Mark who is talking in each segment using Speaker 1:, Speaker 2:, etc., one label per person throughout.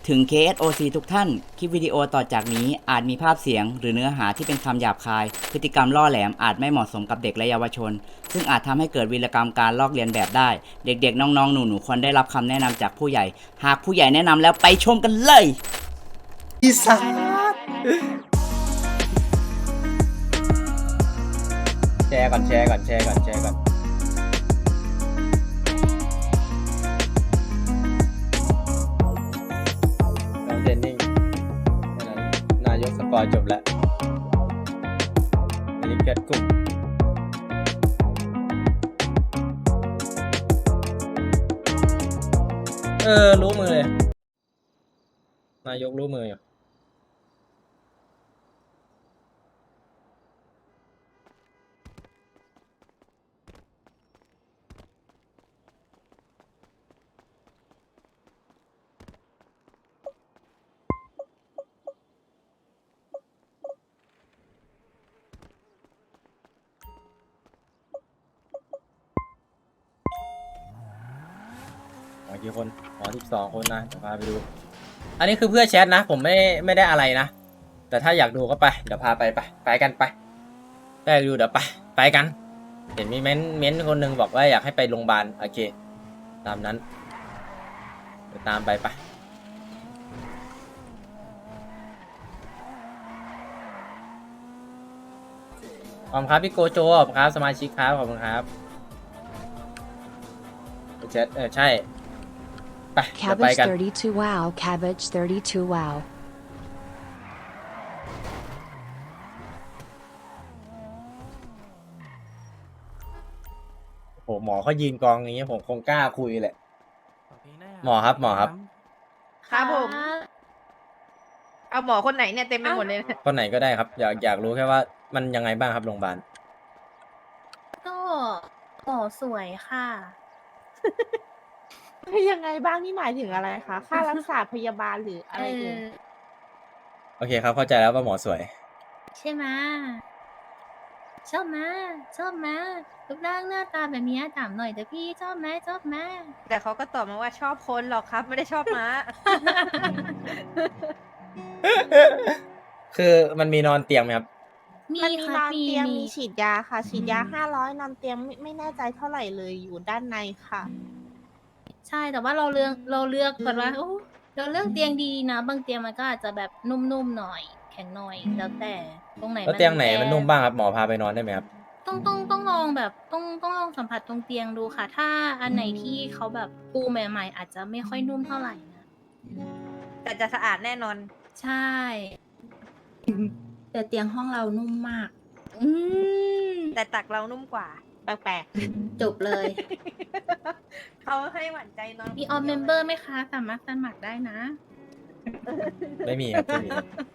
Speaker 1: ถึง KSOC ทุกท่าน คลิปวิดีโอต่อจากนี้อาจมีภาพเสียงหรือเนื้อหาที่เป็นคำหยาบคาย พฤติกรรมล่อแหลมอาจไม่เหมาะสมกับเด็กและเยาวชน ซึ่งอาจทำให้เกิดวีรกรรมการลอกเลียนแบบได้ เด็กๆ น้องๆ หนูๆ ควรได้รับคำแนะนำจากผู้ใหญ่ หากผู้ใหญ่แนะนำแล้วไปชมกันเลย
Speaker 2: อีสานแชร์ก่อนน้องเจนนิ่งนายกสกอร์จบแล้วอันนี้แคทกลุ่มรู้มือเลยนายกรู้มืออยู่กี่คน12 คนนะเดี๋ยวพาไปดูอันนี้คือเพื่อแชทนะผมไม่ได้อะไรนะแต่ถ้าอยากดูก็ไปเดี๋ยวพาไปกันไปได้ดูเดี๋ยวไปกันเห็นมีเม้นคนหนึ่งบอกว่าอยากให้ไปโรงพยาบาลโอเคตามนั้นเดี๋ยวตามไปขอบคุณครับพี่โกโจขอบคุณครับสมาชิกครับขอบคุณครับแชทใช่ไปเดี๋ยวไป
Speaker 3: Cabbage
Speaker 2: กัน
Speaker 3: 32 wow, cabbage 32 wow.
Speaker 2: โหหมอเขายืนกองอย่างเงี้ยผมคงกล้าคุยแหละหมอครับ
Speaker 4: ครับผม เอาหมอคนไหนเนี่ยเต็มไปหมดเลยนะ
Speaker 2: คนไหนก็ได้ครับอยากรู้แค่ว่ามันยังไงบ้างครับโรงพยาบาล
Speaker 5: ก็หมอสวยค่ะ
Speaker 4: ยังไงบ้างนี่หมายถึงอะไรคะ ค่ารักษาพยาบาลหรืออะไรเอ่ย
Speaker 2: โอเคครับเข้าใจแล้วว่าหมอสวย
Speaker 5: ใช่ไหมชอบไหมชอบไหมรูปร่างหน้าตาแบบนี้ถามหน่อยเถอะพี่ชอบไหมชอบไหม
Speaker 4: แต่เขาก็ตอบมาว่าชอบคนหรอกครับ ไม่ได้ชอบม้า
Speaker 2: คือมันมีนอนเตียงไหมครับ
Speaker 5: มี
Speaker 4: มันมี
Speaker 5: ค่ะ
Speaker 4: นอนเตียง
Speaker 5: มี
Speaker 4: มีฉีดยาค่ะ ฉีดยา500นอนเตียงไม่แน่ใจเท่าไหร่เลยอยู่ด้านในค่ะ
Speaker 5: ใช่แต่ว่าเราเลือกก่อนว่าโอ้เราเลือกเตียงดีนะ บางเตียงมันก็อาจจะแบบนุ่มๆหน่อย แข็งหน่อยแล้วแต่ตรงไหน
Speaker 2: แล้วเตียงไหน
Speaker 5: แอร์
Speaker 2: มันนุ่มบ้างครับหมอพาไปนอนได้ไหมครับ
Speaker 5: ต้องลองแบบต้องลองสัมผัสตรงเตียงดูค่ะ ถ้าอันไหนที่เขาแบบปูใหม่ๆอาจจะไม่ค่อยนุ่มเท่าไหร่นะ
Speaker 4: แต่จะสะอาดแน่นอน
Speaker 5: ใช่
Speaker 6: แต่เตียงห้องเรานุ่มมาก
Speaker 5: อืม
Speaker 4: แต่ตักเรานุ่มกว่า แปลก
Speaker 6: จบเลย
Speaker 4: ๆ เขาให้หวั่นใจนอน
Speaker 5: มีออมเมมเบอร์ไหมคะ สามารถสมัครได้นะ
Speaker 2: ไม่มีครับไม่มี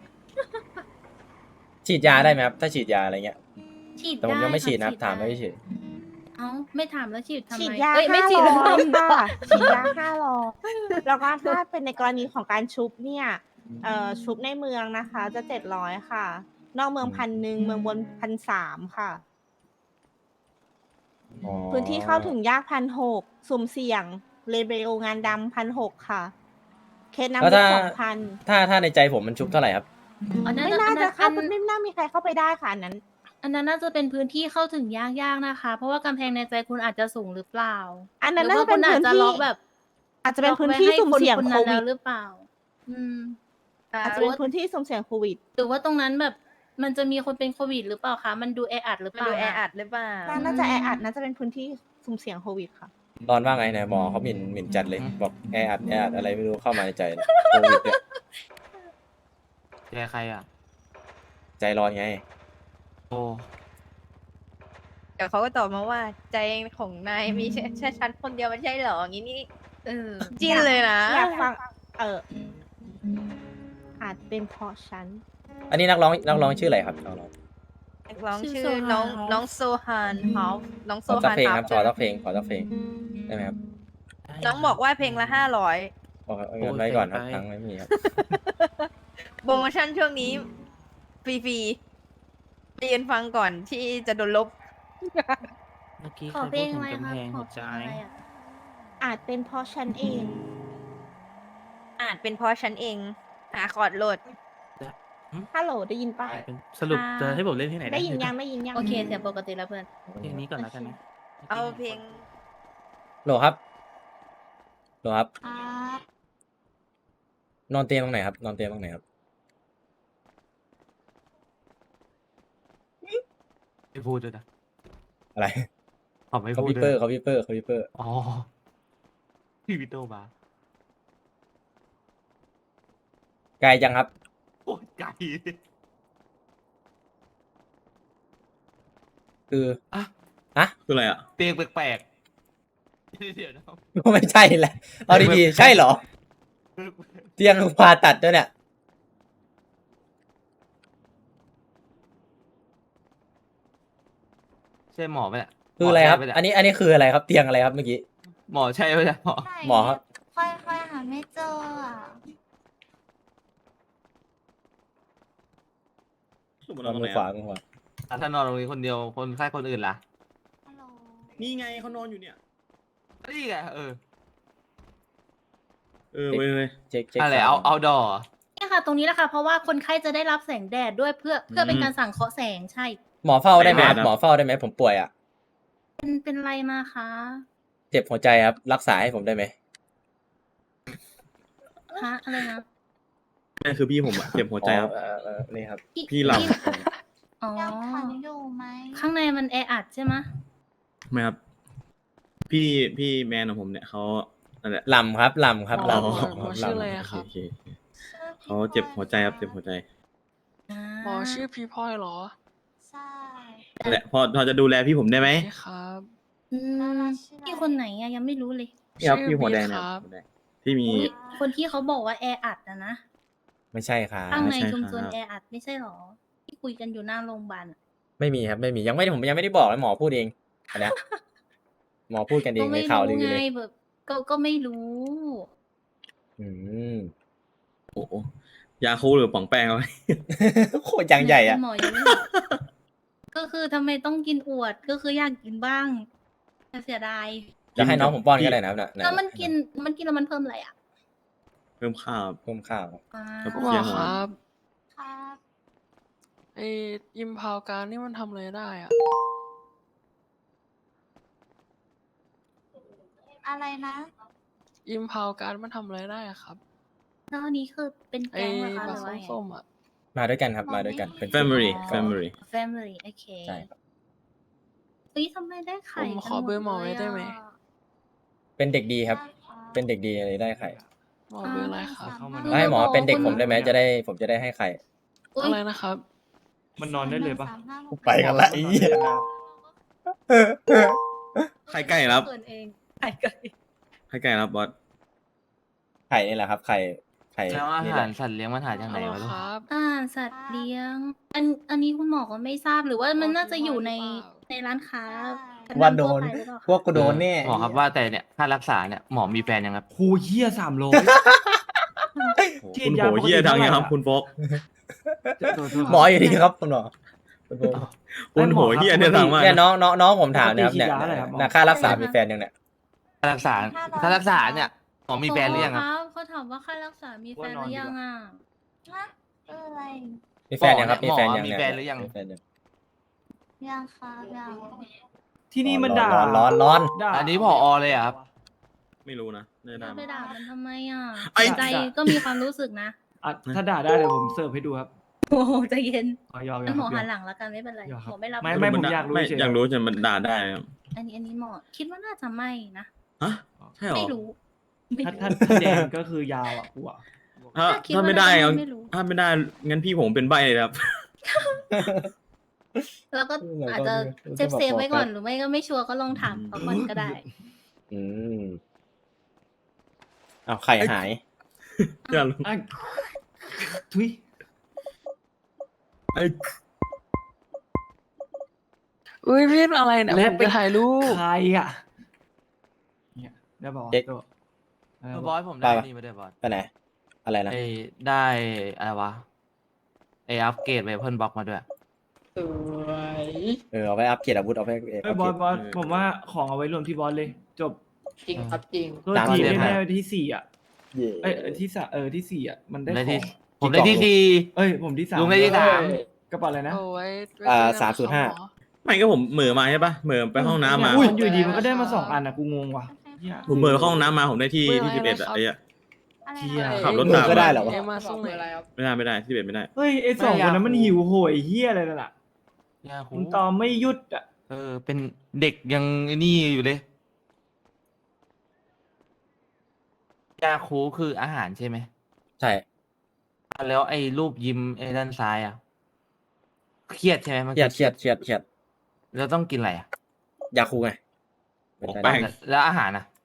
Speaker 2: ฉีดยาได้ไหมครับ ถ้าฉีดยาอะไรเงี้ย
Speaker 5: ฉีด
Speaker 2: แต่ผม
Speaker 5: ได้
Speaker 2: ยังไม่ฉีด
Speaker 5: ค่ะ
Speaker 2: นะครับถามไม่เฉย
Speaker 5: เอ้าไม่ถามแล้วฉีดทำไม
Speaker 4: ฉีดยา
Speaker 5: เอ้ยไม่ฉีด
Speaker 4: 500
Speaker 5: แล้วทำไม
Speaker 4: ค่ะฉีดยา500แล้วก็ถ้าเป็นในกรณีของการชุบเนี่ยชุบในเมืองนะคะ จะ700ค่ะ นอกเมือง1,000เมืองบน1,300ค่ะ
Speaker 2: อ๋อ
Speaker 4: พื้นที่เข้าถึงยาก1,600สุ่มเสี่ยงเลเบลงานดำ1,600ค่ะ เคส
Speaker 2: แล้ว
Speaker 4: น้ำลึก 2,000
Speaker 2: ถ้าในใจผมมันชุบเท่าไหร่ครับ
Speaker 5: อ๋อ
Speaker 4: ไม่น่าจะเข้าไม่น่ามีใครเข้าไปได้ค่ะอันนั้น
Speaker 5: อันนั้นน่าจะเป็นพื้นที่เข้าถึงยากๆนะคะ เพราะว่ากำแพงในใจคุณอาจจะสูงหรือเปล่า
Speaker 4: อันนั้น
Speaker 5: หรื
Speaker 4: น่า
Speaker 5: ว่า
Speaker 4: จะเป็น
Speaker 5: คุณอาจ
Speaker 4: พื้น
Speaker 5: จะ
Speaker 4: ที่
Speaker 5: ล็อกแบบ
Speaker 4: อาจจะเป็นพื้นที่สุ่มเสี่ยง
Speaker 5: ล็อก
Speaker 4: โค
Speaker 5: ไว้ให้คน
Speaker 4: วิ
Speaker 5: นั้น
Speaker 4: ด
Speaker 5: แล้วหรือเปล่า อืม
Speaker 4: อาจจะเป็นพื้นที่สุ่มเสี่ยงโควิด
Speaker 5: หรือว่าตรงนั้นแบบมันจะมีคนเป็นโควิดหรือเปล่าคะ มันดูแออัดหรือ
Speaker 4: มั
Speaker 5: เป
Speaker 4: น
Speaker 5: ล่า
Speaker 4: ดูแอ
Speaker 5: นะ
Speaker 4: อัดหรือเปล่าน่าจะแออัดน่าจะเป็นพื้นที่สุ่มเสี่ยงโควิดค่ะ
Speaker 2: ตอนว่าไงเนี่ยหมอเขาหมิ่นจัดเลย บอกแออัดอะไรไม่รู้เข้ามาในใจเนี่ยโควิดเนี่ย
Speaker 1: แกใครอ่ะ
Speaker 2: ใจร้อนไง
Speaker 1: โอ้
Speaker 4: เดี๋ยวเขาก็ตอบมาว่าใจของนายมีแค่ฉันคนเดียวไม่ใช่เหรออย่างนี้นี่จิ้นเลยนะอยากฟังอาจเป็นเพราะฉัน
Speaker 2: อันนี้นักร้องชื่ออะไรครับนักร้อง
Speaker 4: นักร้อง
Speaker 5: ชื่
Speaker 4: ชื่
Speaker 5: อ
Speaker 4: อ
Speaker 5: โซฮาน
Speaker 4: น้องโซฮานฮอฟน้องโซ
Speaker 2: ขอสัก
Speaker 4: ฮาน
Speaker 2: เพลง
Speaker 4: ฮอ
Speaker 2: ครั
Speaker 4: ฟ
Speaker 2: บขอสักเพลงได้ไหมครับ
Speaker 4: น้องบอกว่าเพลงละ500
Speaker 2: เอาเงินไว้ก่อนครับตังค์ไม่มีครับ
Speaker 4: โปรโมชั่นช่วงนี้ฟรีๆไปยืนฟังก่อนที่จะโดนลบ
Speaker 1: เมื่อกี้
Speaker 5: ขอ
Speaker 1: ใคร
Speaker 5: เพล
Speaker 1: พูด
Speaker 5: ง
Speaker 1: ถึง
Speaker 5: อะไร
Speaker 1: กำ
Speaker 5: ครับ
Speaker 1: แพง
Speaker 5: ขอ
Speaker 1: หัว
Speaker 5: เพ
Speaker 1: ใจ
Speaker 5: ลงอะไรอะ
Speaker 4: อาจเป็นเพราะฉันเอง
Speaker 5: อ
Speaker 7: อาจเป็นเพราะฉันเอง หาคอร์ดโหลด
Speaker 4: ฮัลโหลได้ยินปะ
Speaker 8: สรุปจะให้ผมเล่นที่ไหนนะ
Speaker 4: ได้ยินยังได้ยินยัง
Speaker 5: โอเคเสียงปกติแล้วเพื่อน
Speaker 8: เพลงนี้ก่อนแล้วกันนะ
Speaker 7: เอาเพลง
Speaker 2: โหลครับโหลครับ
Speaker 6: ครับ
Speaker 2: นอนเตียงตรงไหนครับ นอนเตียงตรงไหนครับ
Speaker 8: ไม่พูดด้วยนะ
Speaker 2: อะไร
Speaker 8: ผมไม่
Speaker 2: เขา
Speaker 8: พูด
Speaker 2: วิป
Speaker 8: ด้
Speaker 2: เปอ
Speaker 8: วย
Speaker 2: ร์เขาวิปเปอร์เขาวิปเปอร์
Speaker 8: อ๋อพี่วิโตมา
Speaker 2: ไกลจังครับ
Speaker 8: โอ้ยไก่
Speaker 2: คือ
Speaker 8: อ่ะ
Speaker 2: ฮะ
Speaker 9: คืออะไรอ่ะ
Speaker 8: เตียงแปลกๆเดี๋ยวนะ
Speaker 2: ก็ไม่ใช่แหละเอาดีๆใช่เหรอ เตียงผ่าตัดด้วยเนี่ย
Speaker 8: ใช่หมอไหมเนี่ย
Speaker 2: คืออะไรครับ
Speaker 8: หมใช่หม
Speaker 2: อัน
Speaker 8: เนี่ย
Speaker 2: นี้คืออะไรครับ เตียงอะไรครับเมื่อกี้
Speaker 8: หมอใช่ไหมเนี่ยหมอ
Speaker 2: หมอครับ
Speaker 6: ค่อยๆหาไม่เจออ่ะ
Speaker 2: นอนมือขวามือขวา
Speaker 8: อ่ะถ้านอนตรงนี้คนเดียวคนไข้คนอื่นล่ะ
Speaker 6: ฮัลโหล
Speaker 9: นี่ไงเขานอนอยู่เนี่ย
Speaker 8: นี่ไง
Speaker 9: เออเว้ย
Speaker 2: เช็ค
Speaker 8: อะไร
Speaker 2: ซ้ย
Speaker 8: เอาดอ
Speaker 5: เนี่ยค่ะ ตรงนี้แหละค่ะ เพราะว่าคนไข้จะได้รับแสงแดดด้วยเพื่อเป็นการสังเคราะห์แสงใช่
Speaker 2: หมอเฝ้าได้ไหมครับหมอเฝ้าได้ไหมผมป่วยอ่ะ
Speaker 5: เป็นไรมาคะ
Speaker 2: เจ็บหัวใจครับ รักษาให้ผมได้ไหม
Speaker 5: ฮะอะไรนะ
Speaker 9: นั่นคือพี่ผมอ่ะเจ็บหัวใจครับ
Speaker 2: นี่ครับ
Speaker 9: พี่หลับ
Speaker 5: อ๋อ
Speaker 6: ยังขันอยู่ไหม
Speaker 5: ข้างในมันแออัดใช่ไหมะ
Speaker 9: ไม่ครับ พี่แมนของผมเนี่ยเขานั่นแหละ
Speaker 2: ลำครับลำครับ
Speaker 9: อ๋อ
Speaker 2: ลำ
Speaker 10: ชื่ออะไรอะครับ
Speaker 9: โอเคเขาเจ็บหัวใจครับเจ็บหัวใจ
Speaker 10: หมอชื่อพี่พลอยเหรอ
Speaker 6: ใช่
Speaker 9: นั่นแหละพอจะดูแลพี่ผมได้ไหม
Speaker 10: ใช่ครับ
Speaker 5: อืมพี่คนไหนอะยังไม่รู้เลย
Speaker 9: นี่ครับ
Speaker 10: ชื่อ
Speaker 9: พี่หัวแดง
Speaker 10: บิ๊ก
Speaker 9: นะ
Speaker 10: ครับ
Speaker 9: หัวแดงที่มี
Speaker 5: อุ๊ยคนที่เขาบอกว่าแออัดนะ
Speaker 2: ไม่ใช่ครับ
Speaker 5: ข้างใน
Speaker 9: ใช่
Speaker 5: ชุมชน
Speaker 9: ครับ
Speaker 5: แออัดไม่ใช่หรอ ที่คุยกันอยู่หน้าโรงพยาบาลอะ
Speaker 2: ไม่มีครับไม่มีผมยังไม่ได้บอกเลยหมอพูดเองอันเนี้ยหมอพูดกันเอง
Speaker 5: ก็
Speaker 2: ใน
Speaker 5: ไม่
Speaker 2: ข่าวลื
Speaker 5: รู้
Speaker 2: อ
Speaker 5: ไง
Speaker 2: เลย
Speaker 5: แบบก็ไม่รู้
Speaker 2: อืม
Speaker 9: โอ้โหยาคูลหรือป๋องแป้งเอาไว้
Speaker 2: โคตรยังใหญ่อะ
Speaker 5: คุณหมอยังไม่บอกก็คือทำไมต้องกินอวดก็คืออยากกินบ้างแต่เสียดาย
Speaker 2: จะให้น้องผมป้อนก็ได้นะครับน่ะ
Speaker 5: แล้วมันกินแล้วมันเพิ่มอะไรอ่ะ
Speaker 9: เพิ่มข้าว
Speaker 2: เพิ่มข้าว
Speaker 5: อ่า
Speaker 9: ครับ
Speaker 10: หมอครับ
Speaker 6: ครับ
Speaker 10: ไออิมพาวการนี่มันทำอะไรได้อะ
Speaker 6: อะไรนะ
Speaker 10: อิมพาวการมันทำอะไรได้อะครับ
Speaker 5: แล้วอันนี้คือเป็น
Speaker 10: ไอ
Speaker 5: แก๊งเหรอคะห
Speaker 10: บั
Speaker 5: รือว่า
Speaker 10: ต
Speaker 5: ไง
Speaker 10: ส้มๆอะ
Speaker 2: มาด้วยกันครับมาด้วยกันเป็น
Speaker 9: family
Speaker 5: อ๋อ
Speaker 9: family
Speaker 5: family โอเค
Speaker 2: ใช่ครับ
Speaker 5: เฮ้ยทำไมได้ไข่
Speaker 10: ผมขอเบอร์หมอไว้ได้ไหม
Speaker 2: เป็นเด็กดีครับ เป็นเด็กดีเลยได้ไข่
Speaker 10: หมอเบอร์อะไรครับ
Speaker 2: แล้วให้หมอเป็นเด็กผมได้ไหมผมจะได้ให้ไข่
Speaker 10: อะไรนะครับ
Speaker 8: มันนอนได้เลยปะ
Speaker 2: ไปกันละไอ้เหี้ย
Speaker 9: ใครใกล้ครับ
Speaker 5: เปิดเองไข่ไก่
Speaker 9: ใครใกล้ครับบอส
Speaker 2: ไข่นี่แหละครับไข่
Speaker 8: แล้วอา
Speaker 2: นี่
Speaker 8: หา
Speaker 2: แห
Speaker 8: ร
Speaker 2: ละ
Speaker 8: สัตว์เลี้ยงมันหาจากไหน
Speaker 10: ฮัลโหล
Speaker 8: วะลูก
Speaker 10: ครับ
Speaker 5: สัตว์เลี้ยง อันนี้คุณหมอก็ไม่ทราบหรือว่ามันน่าจะอยู่ในร้านค้าชั้น
Speaker 2: ว่าโด
Speaker 5: นำทั่วน ไปหรือเปล่า
Speaker 2: พวกกูโดนแน่
Speaker 8: หมอครับว่าแต่เนี่ยค่ารักษาเนี่ยหมอมีแฟนยังครับ
Speaker 11: โหเฮีย300 ฉี
Speaker 9: คุ
Speaker 11: ด
Speaker 9: ณ
Speaker 11: ยา
Speaker 9: โหเฮีย
Speaker 11: ปกติ
Speaker 9: ดังยัง
Speaker 11: เท่าไหร่
Speaker 9: ครับ
Speaker 11: อะ
Speaker 9: คุณโฟก
Speaker 2: หมออยู่ดีครับคุณหมอ
Speaker 9: คุณโหเฮียเนี่ยดังมาก
Speaker 2: เนี่ย
Speaker 9: นะ
Speaker 2: น้องผมถามนะครับเนี่ย
Speaker 11: ปกติฉีดยาอะไรครับหมอ
Speaker 2: นะค่ารักษามีแฟนยังเนี่ย
Speaker 8: ค่ารักษาเนี่ยหมอมีแฟนหรือยังครับ
Speaker 5: เขาถามว่าค่ารักษามีแฟนหรือยังอ่ะ
Speaker 6: ฮะอะไร
Speaker 2: มีแฟนยังครับมีแฟนยัง
Speaker 8: มี
Speaker 2: เนี่ย
Speaker 8: แฟนหรือยัง
Speaker 2: มีแฟนยัง
Speaker 6: ยังครับยัง
Speaker 11: ที่นี่มันด่า
Speaker 2: ร้อน
Speaker 11: ด่า
Speaker 8: อันนี้ผอเลยเหรอครับ
Speaker 9: ไม่รู้นะไม่ได้
Speaker 5: ไปด่ามันทำไมอ่ะ
Speaker 9: ไอ้
Speaker 5: ใจก็มีความรู้สึกนะ
Speaker 11: อ่ะถ้าด่าได้เดี๋ยวผมเสิร์ฟให้ดูครับ
Speaker 5: โอ้โหใจเย็น
Speaker 11: อ๋อยอม
Speaker 5: งั้นหมอ
Speaker 11: ค
Speaker 5: หั
Speaker 11: รั
Speaker 5: น
Speaker 11: บ
Speaker 5: หลังแล้วกันไม่เป็นไร
Speaker 11: ยอมครับ
Speaker 5: หมอไม่รับ
Speaker 11: ไม่ผมอยากรู้
Speaker 9: ไม่
Speaker 11: เฉยๆ
Speaker 9: อยากรู้จะมันด่าได้ครับ
Speaker 5: อันนี้หมอคิดว่าน่าจะไม่นะ
Speaker 9: ฮะใช่เหรอ
Speaker 5: ไม่รู้
Speaker 11: ถ้าแดงก็คือยาวอ่ะกูอ่ะ
Speaker 5: คิด
Speaker 9: ถ้า
Speaker 5: ว่า
Speaker 9: ไม่ได้
Speaker 5: น่า
Speaker 9: เอา
Speaker 5: จะไม่รู้
Speaker 9: ถ้าไม่ได้งั้นพี่ผมเป็นใบเลยครับ
Speaker 5: แล้วก็อาจจะเซฟไว้ก่อนหรือไม่ก็ไม่ชัวร์ก็ลองถามเขาก่อนก็ได้
Speaker 2: อืมเอาไข่หาย
Speaker 9: อย่าลง
Speaker 11: อ่ะทุย
Speaker 9: ไอ้
Speaker 10: อุ้ยพี่อะไรเนี่ย
Speaker 11: และ
Speaker 10: ผม
Speaker 11: ไป
Speaker 10: จะถ่ายรูป
Speaker 11: ใครอ่ะเนี่ยได้บอก
Speaker 2: เด็ก
Speaker 8: บอสผมได้นี่มาด้วยบอส
Speaker 2: ไปไหนอะไรนะ
Speaker 8: ไอ้ได้อะไรวะไอ้อัปเกรดเวเพิลบล็อกมาด้วย
Speaker 2: เอาไปอัพเกรดอาวุธเอาไป
Speaker 11: เอ้ยบอสผมว่าของเอาไว้รวมที่บอสเลย จบ
Speaker 10: จริงครับจริง
Speaker 11: ตัว
Speaker 2: ตาม
Speaker 11: จี
Speaker 2: เรียน
Speaker 11: ได้
Speaker 2: มา
Speaker 11: ที่4อ่ะเอ้ยที่สามที่สี่อ่ะมันได้
Speaker 8: ได้
Speaker 11: ข
Speaker 8: ที่
Speaker 11: อง
Speaker 8: ผมได้ที่สี่
Speaker 11: เอ้ยผมที่สาม
Speaker 8: ลุงได้ที่สาม
Speaker 11: กระเป๋าอะไรนะ
Speaker 10: โอ้ไว้ไว้เจอกันนะครับหมอ
Speaker 9: ไม่ก็ผมเหม่อมาใช่ปะเหม่อไปห้องน้ำมา
Speaker 11: เนี่ยมันอยู่ดีมันก็ได้มา2 อันอ่ะกูงงว่ะเหี้ย
Speaker 9: ผมเหม่อไปเข้าห้องน้ำมาผมได้ที่ที่11อะไอ้อะ
Speaker 6: อะไร
Speaker 11: เชี่ย
Speaker 6: นะ
Speaker 9: ขับรถตาม
Speaker 2: ก็ได้เหรอวะ
Speaker 10: เอ็มมาส่งไหน
Speaker 9: ไม่ได้ที่11ไม่ได้
Speaker 11: เฮ้ยไอ้สองคนนั้นมันหิวโหยเฮียอะไรนั่นแหละ
Speaker 8: ยาคู
Speaker 11: มันตอมไม่หยุดอ่ะ
Speaker 8: เป็นเด็กยังไอ้นี่อยู่เลยยาคูคืออาหารใช่ไหม
Speaker 2: ใช่
Speaker 8: แล้วไอ้รูปยิ้มไอ้ด้านซ้ายอ่ะเครียดใช่ไหมมัน
Speaker 2: เครียดเครียดเครียดเครียด
Speaker 8: แล้วต้องกินอะไรอ่ะ
Speaker 2: ยาคูไง
Speaker 9: บอกแป้ง
Speaker 8: แล้วอาหารอ่ะ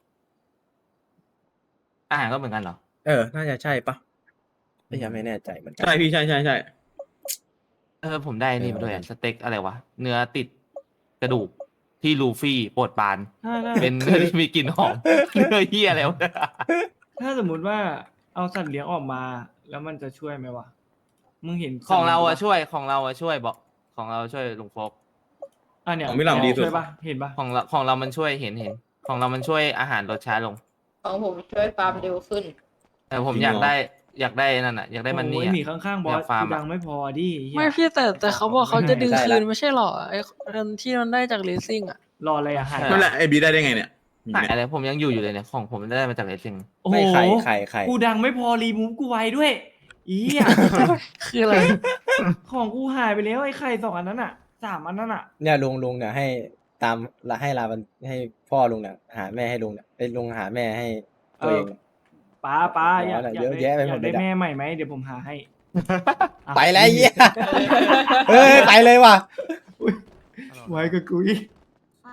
Speaker 8: อาหารก็เหมือนกันเหรอ
Speaker 2: น่าจะใช่ปะยังไม่แน่ใจเหมือนกั
Speaker 9: ใช่พี่ใช่
Speaker 8: ผมได้นี่มาด้วยอะสเต็กอะไรวะ เนื้อติดกระดูกที่ลูฟี่โปรดปราน เป็นเนื้อที่มีกลิ่นหอม เนื้อเหี้ยอะไรวะ
Speaker 11: ถ้าสมมุติว่าเอาสัตว์เลี้ยงออกมา แล้วมันจะช่วยไหมวะมึงเห็น
Speaker 8: ของเราอะ
Speaker 11: สัตว์
Speaker 8: ช่วยของเราอะช่วยบอกของเราช่วยลุงโฟก
Speaker 11: อ่ะเนี่ย
Speaker 9: ของพี่หลังดีสุด
Speaker 11: ช่วยปะเห็นปะ
Speaker 8: ของเรามันช่วยเห็นของเรามันช่วยอาหารลดช้าลง
Speaker 7: ของผมช่วยฟาร์มเร็วขึ้น
Speaker 8: แต่ผม
Speaker 9: จริง
Speaker 8: อยาก
Speaker 9: เหรอ
Speaker 8: ได้นั่นอะอยากได้มันนี่
Speaker 11: โอ้ย
Speaker 8: อะ
Speaker 11: หมีข้างๆบอ
Speaker 8: อ
Speaker 11: ส
Speaker 8: ยากฟาร์ม
Speaker 11: กูดังไม่พอดิเหี้ย
Speaker 10: ไม่พี่แต่เขาบอกเขาจะดึง
Speaker 2: ได้
Speaker 10: คื
Speaker 2: ละ
Speaker 10: นไม่ใช่หรอไอ้อันที่มันได้จากเลสซิ่งอ่ะ
Speaker 11: รออะไรอ่ะหาย
Speaker 9: นั่นแหละไอ้บีได้ไงเนี่ย
Speaker 8: หายอะไรผมยังอยู่เลยเนี่ยของผมได้มาจากเลสซิ่ง
Speaker 11: โอ้โห
Speaker 2: ไม่ไข่
Speaker 11: กูดังไม่พอรีมูฟกูไวด้วยอีอ่ะ
Speaker 10: คืออะไร
Speaker 11: ของกูหายไปแล้วไอ้ไข่2 อันนั้นอ่ะ3 อันนั้นอ่ะ
Speaker 2: เนี่ยลุงเนี่ยให้ตามให้ลาบันให้พ่อลุงเนี่ยหาแม่ให้ลุงเนี่ยไอ้ลุงหาแม่ให้ตัวเองเนี่ย
Speaker 11: ป้าอยาก
Speaker 2: เยอะแยะไปหมด
Speaker 11: อยาก
Speaker 2: เลย
Speaker 11: ได้
Speaker 2: อะ
Speaker 11: แม่ใหม่ไหมเดี๋ยวผมหาให้อ่ะ
Speaker 2: ไปแล้วไอ้เหี้ยเฮ้ยไปเลยว่ะ
Speaker 11: ไว้กับกูอีก
Speaker 6: ครับ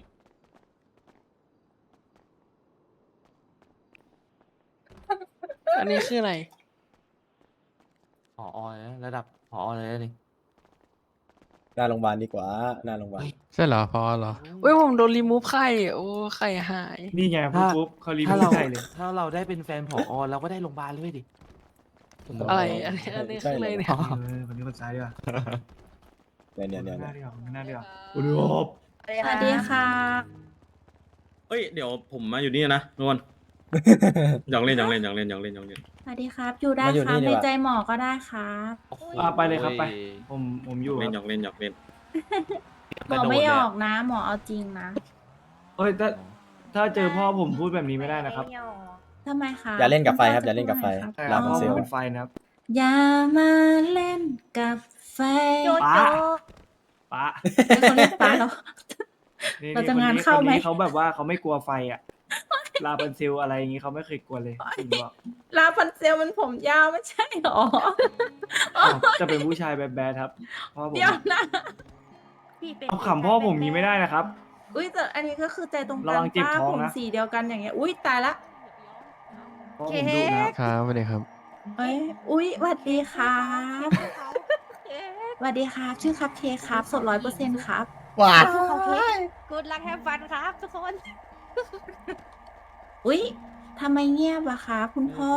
Speaker 10: อันนี้คืออะไร
Speaker 8: ผอเลยนะระดับผอเลยนะนี่
Speaker 2: หน้าโรงพยาบาลดีกว่าหน้าโรงพยาบาล
Speaker 10: ใช่เหรอพอเหรอเว้ยผมโดนรีมูฟไข่โอ้ไข่หาย
Speaker 11: นี่ไงปุ๊บเขารีมู
Speaker 8: ถ้า
Speaker 11: ฟ
Speaker 8: เรา
Speaker 11: ไข่เลย
Speaker 8: ถ้าเราได้เป็นแฟนผอเราก็ได้โรงพยาบาลเลยดิ
Speaker 10: อะไรอันนี้คืออะไรเนี่ย
Speaker 11: วันนี้คนซ้ายดีกว่า
Speaker 2: เนี่ย
Speaker 11: หน้าดีกว่าหน้าดีกว่า
Speaker 7: สวัสดีค่ะ
Speaker 9: เฮ้ยเดี๋ยวผมมาอยู่นี่นะนวลหยอกเล่น
Speaker 7: สวัสดีครับ อยู่ได้
Speaker 2: มาอยู่
Speaker 7: ครั
Speaker 2: นี่
Speaker 7: บ
Speaker 2: ดี
Speaker 7: ใน
Speaker 2: กว่า
Speaker 7: ใจหมอก็ได้ครับ
Speaker 11: ไปเลยครับไป ผมอยู่
Speaker 9: เล่น
Speaker 11: ค
Speaker 9: หย
Speaker 11: รับ
Speaker 9: อกเล่น
Speaker 7: หมอไม่หยอกนะ หมอเอาจริงนะ
Speaker 11: เอ้ยถ้าเจอพ่อผมพูดแบบนี้ไม่ได้นะครับ
Speaker 7: ทำไมคะ
Speaker 2: อย่าเล่นกับไฟครับ
Speaker 7: ณพ่
Speaker 2: อย่าเล่นกับไฟ
Speaker 7: จะพูดอะร
Speaker 2: ลา
Speaker 7: ค
Speaker 2: พั
Speaker 7: รับ
Speaker 2: นเซล
Speaker 11: เป็นไฟนะครับ
Speaker 7: อย่ามาเล่นกับไฟ
Speaker 11: ป้าป้า
Speaker 7: เป็นคนเรียกป้าแล้ว
Speaker 11: นี่
Speaker 7: เราจะ
Speaker 11: คน
Speaker 7: งาน
Speaker 11: นี้
Speaker 7: เข้าไหม
Speaker 11: คนนี้เขาแบบว่าเขาไม่กลัวไฟอ่ะ ลาบันเซลอะไรอย่างงี้เขาไม่เคยกลัวเลยผมบอก
Speaker 7: ลาพันเซลมันผมยาวไม่ใช่หรอ
Speaker 11: อ้าวจะเป็นผู้ชายแบดๆครับพ่อผม
Speaker 7: เดี๋ยวนะ
Speaker 11: เอาขำพ่อผมนี้ไม่ได้นะครับ
Speaker 7: อุ้ยแต่อันนี้ก็คือใจตรง
Speaker 11: ระ
Speaker 7: กั
Speaker 11: วัน งเจ็บ
Speaker 7: ป้า
Speaker 11: ท้อง
Speaker 7: ผม
Speaker 11: นะ
Speaker 7: สีเดียวกันอย่างเงี้ย อุ้ยตายละ
Speaker 11: พ่อผมดุนะครับ
Speaker 10: ครับสวัสดีครับ
Speaker 7: เอ้ยอุ้ยสวัสดีครับสวัสดีครับชื่อครับเคกครับสด100%ครับ
Speaker 2: ว้า
Speaker 7: กูดลักแฮปฟันครับทุกคน อุ๊ยทำไมเงียบอะคะคุณพ่อ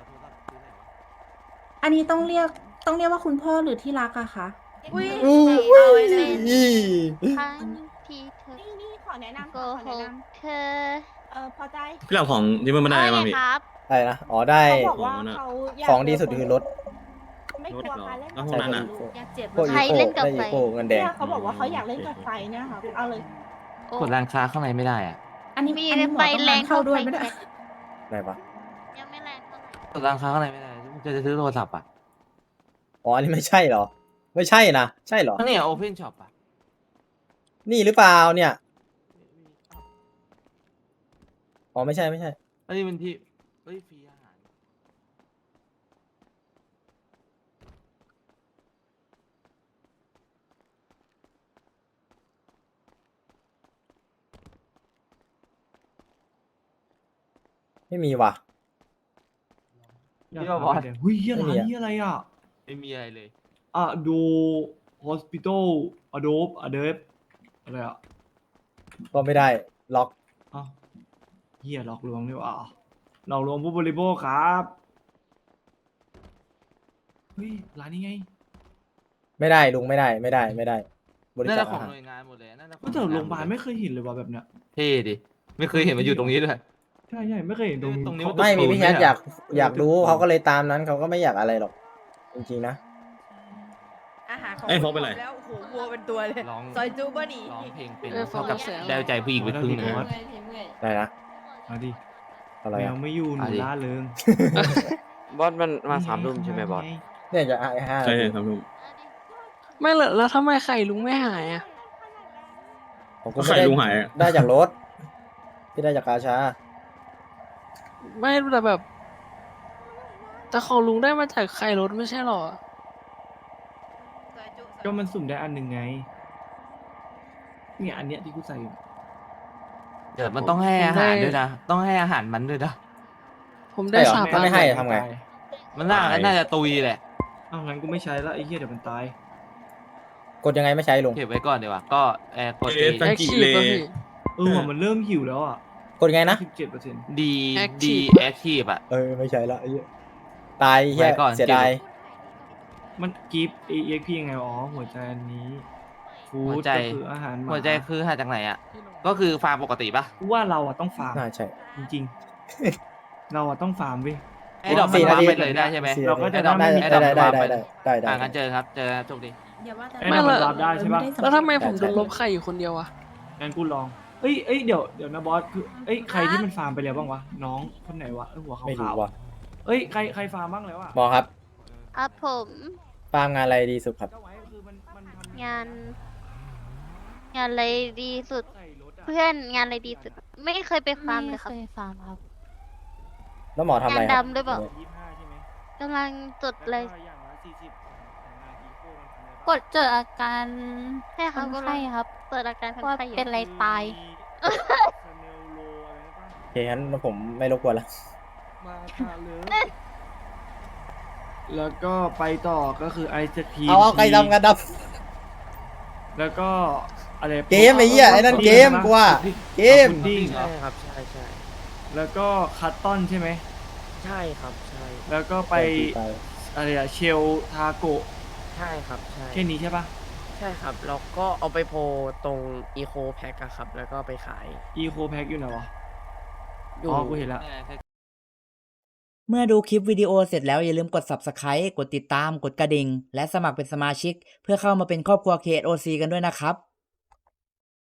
Speaker 7: อันนี้ต้องเรียกว่าคุณพ่อหรือที่รักอะคะ
Speaker 6: อุ้ย
Speaker 2: เอาไว้เลย
Speaker 6: ครั้งที่เธอ
Speaker 4: นี่ขอแนะนำ
Speaker 6: โก
Speaker 4: ค่ะขอ
Speaker 6: ห
Speaker 4: แนะ
Speaker 6: ก
Speaker 4: น
Speaker 6: เธอ
Speaker 4: ำพอใจ
Speaker 9: พี่หลับของที่มันไม่ได้มาพี่
Speaker 6: ครับ
Speaker 2: อะไรนะอ๋อได้
Speaker 4: เขาบอกว่าเขาอยาก
Speaker 2: ของดีสุดคือรถ
Speaker 4: ไม่กลัวการเล่น
Speaker 9: รถเหรอแล้วพวกนั้นอะ
Speaker 7: อยากเจ็บ
Speaker 2: พวก
Speaker 6: ใคร
Speaker 2: อีโก้
Speaker 6: เล่นกับ
Speaker 2: ได้
Speaker 6: ไฟ
Speaker 2: อีโก้เงินแดง
Speaker 4: เนี่ยเขาบอกว่าเขาอยากเล่นกับไฟเนี่ยค่ะเอาเลย
Speaker 6: โอ้
Speaker 8: กดร้านค้าข้างในไม่ได้อะ
Speaker 7: อันนี้
Speaker 6: มี
Speaker 7: อันนี้หมอ
Speaker 6: ไฟ
Speaker 7: ต้อง
Speaker 6: แรง
Speaker 7: เข้าด้วยไม่ได้
Speaker 2: ไหนปะ
Speaker 6: ยังไม่แรงเท่าไหร่
Speaker 8: กดร้านค้าข้างในไม่ได้จะซื้อโทรศัพท์อ่ะ
Speaker 2: อ๋ออันนี้ไม่ใช่เหรอ ไม่ใช่นะใช่เหรอ
Speaker 8: ก็เนี่ยโอเพนช็อปอ่ะ
Speaker 2: นี่หรือเปล่าเนี่ยอ๋อไม่ใช่
Speaker 8: อันนี้มันที่เฮ้ยฟรีอาหาร
Speaker 2: ไม่มีว่ะ
Speaker 11: อยากหาไปเลยหุ้ยเหี้ย
Speaker 2: ไม่มี
Speaker 11: ร้าน
Speaker 2: อะ
Speaker 11: นี้อะไรอ่ะ
Speaker 8: ไม่มีอะไรเลย
Speaker 11: อ่ะดูฮอสพิทอลอโดบอเดฟอะไรอ่ะ
Speaker 2: ก็ไม่ได้ล็อก
Speaker 11: อ้าวเหี้ยหลอกลวงนี่หว่าหลอกลวงผู้บริโภคครับเฮ้ยร้านนี้ไง
Speaker 2: ไม่ได้ลุงไม่ได้บริ
Speaker 8: น่า
Speaker 2: จา
Speaker 8: จะ
Speaker 2: ค
Speaker 8: ขอ
Speaker 2: อาง หาร
Speaker 8: หน่วยงานหมดเลยน่าจะขอ
Speaker 11: ก็แต่โรงพยาบาลไม่เคยเห็นเลยว่ะแบบเนี้ย
Speaker 8: เท่ดิ ไม่เคยเห็นมาอยู่ตรงนี้ด้วย
Speaker 11: ใช่ไม่เคยเห็นตรง
Speaker 8: ตรงนี้
Speaker 11: เขา
Speaker 2: ไม่มี
Speaker 8: ตูด
Speaker 2: พี่แคท
Speaker 8: ไม่
Speaker 2: อยาก
Speaker 8: เหรอ
Speaker 2: อยากรู้เขาก็เลยตามนั้นเขาก็ไม่อยากอะไรหรอก จริงๆนะ
Speaker 7: อาหารของ
Speaker 9: เอ้ยโฟกเป็นไร
Speaker 7: แล้วโอ้โหวัวเป็นตัวเลย
Speaker 8: ร้อง
Speaker 7: ซอยจูก็หนี
Speaker 8: ร้องเพลงเป็น
Speaker 10: เออ
Speaker 8: เท่ากับ
Speaker 10: โฟกัส
Speaker 8: ได้ใจผู้หญิงไปครึ่งหนึ่ง
Speaker 11: โฟกั
Speaker 8: นะ
Speaker 11: ส
Speaker 2: ได้นะ
Speaker 11: เอาดิ
Speaker 2: อะไร
Speaker 11: แม
Speaker 2: อะ
Speaker 11: วไม่อยู่หนู
Speaker 8: เอาดิ
Speaker 11: ล่าเริง
Speaker 12: บอสมันมา3 ทุ่มใช่ไหมบอส
Speaker 2: เนี่ยจะห้า
Speaker 9: ใช่ใช่ครับลุง
Speaker 10: ไม่เหรอแล้วทำไมไข่ลุงไม่หายอ่ะ
Speaker 2: ผมก็
Speaker 9: ไข่
Speaker 2: ไม่ได้
Speaker 9: ลุงหายอะ
Speaker 2: ได้จากรถที่ได้จากกาชา
Speaker 10: ไม่แต่แบบ แต่ของลุงได้มาจากไข่รถไม่ใช่หรอ
Speaker 11: ก็มันสุ่มได้อันหนึ่งไง เนี่ยอันเนี้ยที่กูใส่อยู่
Speaker 8: เดี๋ยวมันต้องให้อาหารด้วยนะ ต้องให้อาหารมันด้วยนะ
Speaker 10: ผมได้
Speaker 2: ใช่เหรอ
Speaker 10: สาม
Speaker 2: ถ้าไม่ให้
Speaker 10: อัน
Speaker 2: ทำไง
Speaker 8: มันน่าจะตุยแหละ
Speaker 11: อ้าวงั้นกูไม่ใช้ละไอ้เหี้ยเดี๋ยวมันตาย
Speaker 2: กดยังไงไม่ใช้ลุง
Speaker 8: เก็บไว้ก่อนดีกว่า ก็กด
Speaker 9: เอ๊ะ
Speaker 10: แอคทีฟป่ะพี่
Speaker 11: ว่ะมันเริ่มหิวแล้วอ่ะ
Speaker 2: กดยังไงนะ
Speaker 11: 17%
Speaker 8: ดี
Speaker 10: Active
Speaker 8: แอคทีฟอ่ะ
Speaker 2: ไม่ใช้ละไอ้เหี้ยตายเหี้ย
Speaker 8: ไว้ก่อน
Speaker 2: เสียดาย
Speaker 11: มันกิฟต์ EXP ยังไงอ๋อหัวใจอันนี้ฟู้
Speaker 8: หัว
Speaker 11: ด
Speaker 8: ใจ
Speaker 11: ก็คืออาหารหมา
Speaker 8: หัวใจคือหาจากไหนอ่ะ ก็คือฟาร์มปกติปะ
Speaker 11: กูว่าเราอ่ะต้องฟาร์ม
Speaker 2: น่าใช่
Speaker 11: จริงๆ เราอ่ะต้องฟาร์มเว้ย
Speaker 8: ไอ้ดอกมัน
Speaker 2: 4
Speaker 8: วาง
Speaker 2: นาที
Speaker 8: ไปเลยได้ใช่ไหม
Speaker 11: เราก็จะ
Speaker 8: ไอ้ดอก
Speaker 11: ไม่มี
Speaker 8: ไอ้ดอกมันวางไป
Speaker 2: ได้
Speaker 8: งั้นเจอครับ เจอโชคดี
Speaker 7: อย่าว่าแต่
Speaker 11: ไอ้นั่นมันรับได้ใช่ปะ
Speaker 10: แล้วทำไมผมโดนลบไข่อยู่คนเดียวอะ
Speaker 11: งั้นกูลอง เอ้ยเดี๋ยวนะบอสคือใครที่มันฟาร์มไปแล้วบ้างวะ น้องคนไหนวะหัวขา
Speaker 2: ไม่รู้
Speaker 11: ว
Speaker 2: ว่ะ
Speaker 11: ๆใครฟาร์มบ้างแล้วอ่ะ
Speaker 2: หมอครับ
Speaker 6: ครับผม
Speaker 2: ฟาร์มงานอะไรดีสุดครับ
Speaker 11: เจ้าไว้คือมันทำ
Speaker 6: งานอะไรดีสุด
Speaker 11: ใส่รถอะ
Speaker 6: เพื่อนงานอะไรดีสุด ไม่เคยไปฟาร์มเลยครับ
Speaker 5: ฟาร์มครับ
Speaker 2: แล้วหมอทำอะไรครับ
Speaker 6: งานดำด้วยเปล่า
Speaker 11: 25ใช่ไหม
Speaker 6: กำลังจดเลย
Speaker 11: แล้วก็อย่างละ40ของงานอีโคมันทำอะไรบ้าง
Speaker 5: กดเจออาการ
Speaker 6: ใช่ครับ
Speaker 5: คนไข้ครับ
Speaker 6: เปิดอาการคน
Speaker 5: ว่า
Speaker 6: ไข้อยู่
Speaker 5: เป็นอะไรตาย
Speaker 11: สเนลโลอะไรปะ
Speaker 2: โอเคงั้นผมไม่รบกวนละ
Speaker 11: มาทาเลยแล้วก็ไปต่อก็คือไอศครีม
Speaker 2: เอาใครทำงานด
Speaker 11: แล้วก็อะไร
Speaker 2: เกมไอ้เหี้ยไอ้นั่นเกมกูว่าเกม
Speaker 11: พุดดิ้ง
Speaker 12: ใช่ครับใช่
Speaker 11: แล้วก็คัตตอนใช่ไหม
Speaker 12: ใช่ครับใช่
Speaker 11: แล้วก็ไปอะไรอะเชลทาโกะ
Speaker 12: ใช่ครับใช่
Speaker 11: แค่นี้ใช่ปะ
Speaker 12: ใช่ครับแล้วก็เอาไปโพลตรงอีโคแพ็คอะครับ แล้วก็ไปขาย
Speaker 11: อีโคแพ็กอยู่ไหนวะ
Speaker 12: อยู่
Speaker 11: อ๋อกูเห็นละ
Speaker 1: เมื่อดูคลิปวิดีโอเสร็จแล้วอย่าลืมกด Subscribe กดติดตาม กดกระดิ่ง และสมัครเป็นสมาชิก เพื่อเข้ามาเป็นครอบครัว KOC กันด้วยนะครับ